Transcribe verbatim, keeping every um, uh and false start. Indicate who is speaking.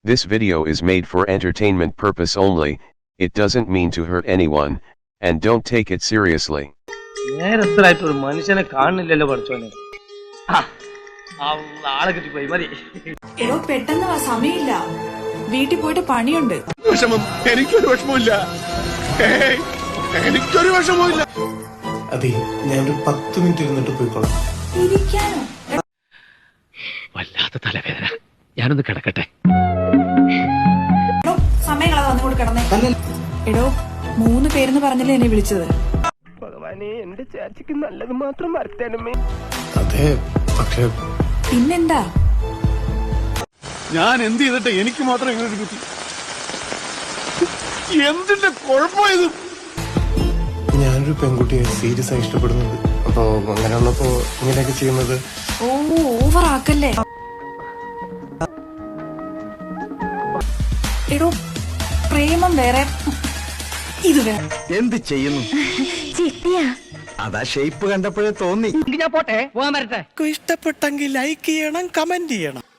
Speaker 1: This video is made for entertainment purpose only. It doesn't mean to hurt anyone, and don't take it seriously.
Speaker 2: നേരത്തിലായിട്ട് ഒരു മനുഷ്യനെ കാണുന്നില്ലല്ലോ പഠിച്ചോനെ. ആളെ കിട്ടിപ്പോയി മതി.
Speaker 3: എടോ പെട്ടെന്ന് വാ, സമയമില്ല, വീട്ടിൽ പോയിട്ട് പണിയുണ്ട്.
Speaker 4: വിഷമം എനിക്കൊരു വിഷമമില്ല, എനിക്കൊരു വിഷമമില്ല.
Speaker 5: അതെ, ഞാനൊരു പത്ത് മിനിറ്റ് ഇരുന്നിട്ട് പോയിക്കോളാം.
Speaker 3: ഇരിക്കാനോ?
Speaker 6: വല്ലാത്ത തലവേദന, ഞാനൊന്ന് കിടക്കട്ടെ.
Speaker 3: എടോ സമയങ്ങളാ വന്നുകൊണ്ട് കിടന്നേ. എടോ മൂന്ന് പേരെന്ന് പറഞ്ഞല്ലേ എന്നെ വിളിച്ചത്?
Speaker 2: ഭഗവാനെ, എന്റെ ചേച്ചിക്ക് നല്ലത് മാത്രം വരുത്തണമേ.
Speaker 5: അതെ, പക്ഷെ
Speaker 3: പിന്നെന്താ?
Speaker 4: ഞാൻ എന്ത് ചെയ്തിട്ട് എനിക്ക് മാത്രം ഇങ്ങനെ ഒരു കുട്ടി? എന്തിന്റെ കുഴപ്പമായത്?
Speaker 5: ഞാനൊരു പെൺകുട്ടിയെ സീരിയസ് ആയി ഇഷ്ടപ്പെടുന്നുണ്ട്. അപ്പൊ അങ്ങനെയുള്ളപ്പോ ഇങ്ങനെയൊക്കെ ചെയ്യുന്നത്.
Speaker 3: ഓ, ഓവർ ആക്കല്ലേ. എടോ പ്രേമം വേറെ, ഇത് വേറെ.
Speaker 7: എന്ത് ചെയ്യുന്നു? അതാ ഷേപ്പ് കണ്ടപ്പോഴേ തോന്നി.
Speaker 2: ഞാൻ പോട്ടെ, പോകാൻ വരട്ടെ.
Speaker 8: ഇഷ്ടപ്പെട്ടെങ്കിൽ ലൈക്ക് ചെയ്യണം, കമന്റ് ചെയ്യണം.